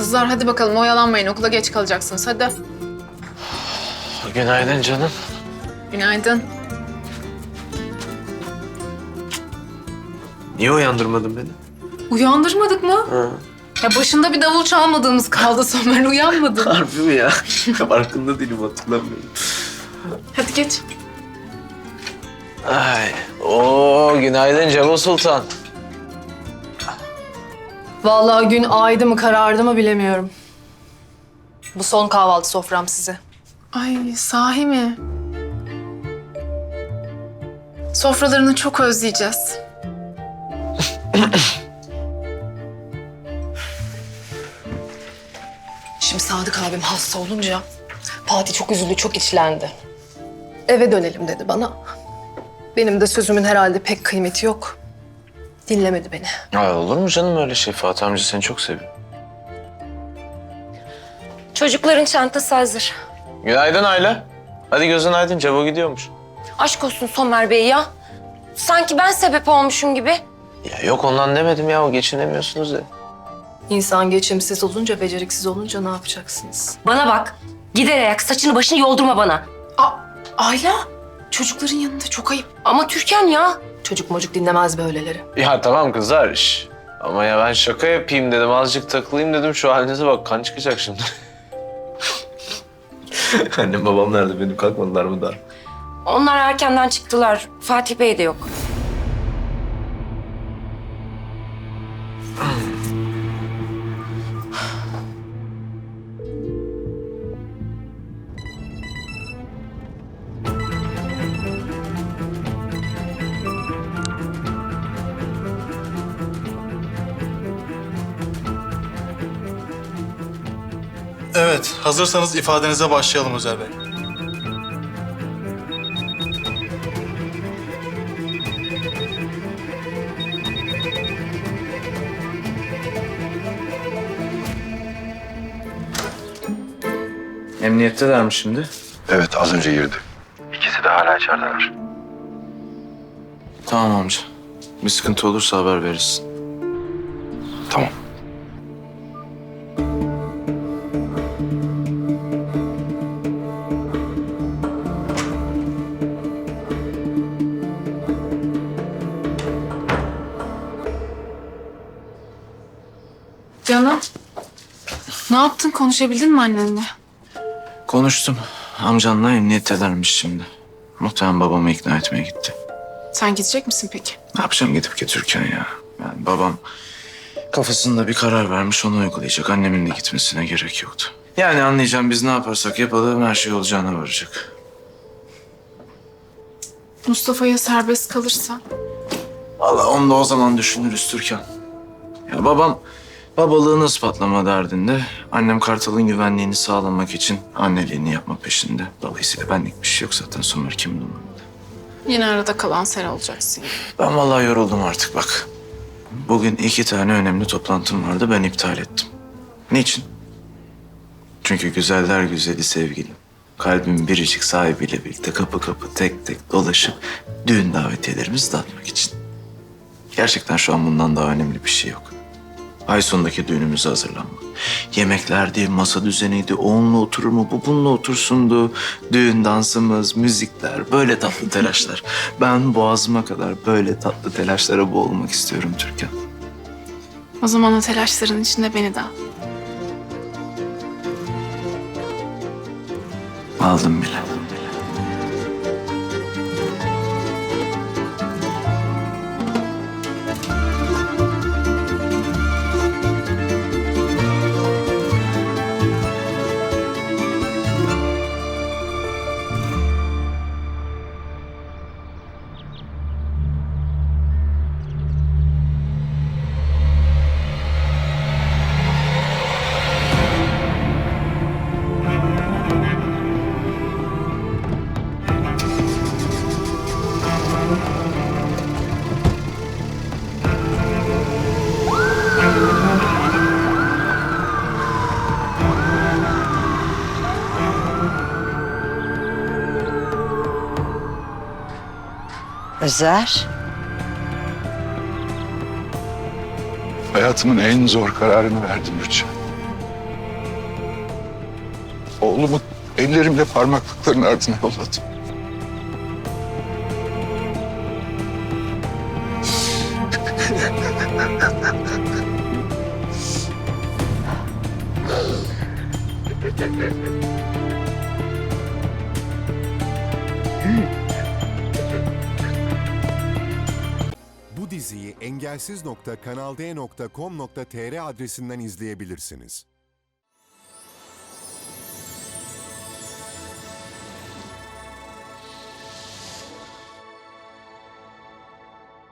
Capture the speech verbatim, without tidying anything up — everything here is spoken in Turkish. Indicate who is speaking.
Speaker 1: Kızlar hadi bakalım oyalanmayın. Okula geç kalacaksınız hadi.
Speaker 2: Günaydın canım.
Speaker 1: Günaydın.
Speaker 2: Niye uyandırmadın beni?
Speaker 1: Uyandırmadık mı?
Speaker 2: Ha.
Speaker 1: Ya başında bir davul çalmadığımız kaldı Somer. Uyanmadın.
Speaker 2: Harbi mi ya? Farkında değilim, hatırlamıyorum.
Speaker 1: Hadi geç.
Speaker 2: Ay, oo günaydın Cemal Sultan.
Speaker 3: Vallahi gün aydı mı karardı mı bilemiyorum. Bu son kahvaltı sofram size.
Speaker 1: Ay sahi mi? Sofralarını çok özleyeceğiz.
Speaker 3: Şimdi Sadık abim hasta olunca Fatih çok üzüldü, çok içlendi. Eve dönelim dedi bana. Benim de sözümün herhalde pek kıymeti yok. Dinlemedi beni.
Speaker 2: Ay olur mu canım öyle şey? Fatih amca seni çok seviyor.
Speaker 4: Çocukların çantası hazır.
Speaker 2: Günaydın Ayla. Hadi gözün aydın, Cevo gidiyormuş.
Speaker 4: Aşk olsun Somer Bey ya. Sanki ben sebep olmuşum gibi.
Speaker 2: Ya yok ondan demedim ya, o geçinemiyorsunuz ya.
Speaker 3: İnsan geçimsiz olunca, beceriksiz olunca ne yapacaksınız?
Speaker 4: Bana bak. Gider ayak saçını başını yoldurma bana.
Speaker 1: Aa, Ayla, çocukların yanında çok ayıp.
Speaker 4: Ama Türkan ya.
Speaker 3: Çocuk mocuk dinlemez böyleleri.
Speaker 2: Ya tamam kızlar şş. Ama ya ben şaka yapayım dedim, azıcık takılayım dedim. Şu halinize bak, kan çıkacak şimdi. Annem babam nerede, benim kalkmadılar mı daha?
Speaker 4: Onlar erkenden çıktılar. Fatih Bey de yok.
Speaker 5: Evet, hazırsanız ifadenize başlayalım Özer Bey.
Speaker 2: Emniyetteler mi şimdi?
Speaker 6: Evet, az önce girdi. İkisi de hala içerideler.
Speaker 2: Tamam amca. Bir sıkıntı olursa haber verirsin.
Speaker 6: Tamam.
Speaker 1: Canım, ne yaptın? Konuşabildin mi annenle?
Speaker 2: Konuştum. Amcanla emniyettelermiş şimdi. Muhtemelen babamı ikna etmeye gitti.
Speaker 1: Sen gidecek misin peki?
Speaker 2: Ne yapacağım gidip götürürken ya? Yani babam kafasında bir karar vermiş, onu uygulayacak. Annemin de gitmesine gerek yoktu. Yani anlayacağım, biz ne yaparsak yapalım her şey olacağına varacak.
Speaker 1: Mustafa'ya serbest kalırsa?
Speaker 2: Vallahi onu da o zaman düşünürüz Türkan. Ya babam babalığını ispatlama derdinde. Annem Kartal'ın güvenliğini sağlamak için anneliğini yapma peşinde. Dolayısıyla benlik bir şey yok zaten, Somer kimin umurunda.
Speaker 1: Yine arada kalan sen olacaksın.
Speaker 2: Ben vallahi yoruldum artık bak. Bugün iki tane önemli toplantım vardı, ben iptal ettim. Niçin? Çünkü güzeller güzeli sevgilim, kalbimin biricik sahibiyle birlikte kapı kapı tek tek dolaşıp düğün davetiyelerimizi dağıtmak için. Gerçekten şu an bundan daha önemli bir şey yok. Ay sonundaki düğünümüze hazırlanmak. Yemeklerdi, masa düzeniydi, o onunla oturur mu, bu bununla otursundu. Düğün dansımız, müzikler, böyle tatlı telaşlar. Ben boğazıma kadar böyle tatlı telaşlara boğulmak istiyorum Türkan.
Speaker 1: O zaman o telaşların içinde beni de al.
Speaker 2: Aldım bile.
Speaker 7: Özer,
Speaker 6: Hayatımın en zor kararını verdim Rüçhan.
Speaker 7: Oğlumu ellerimle parmaklıkların ardına yolladım.
Speaker 8: Bu diziyi engelsiz nokta kanal d nokta com nokta tr adresinden izleyebilirsiniz.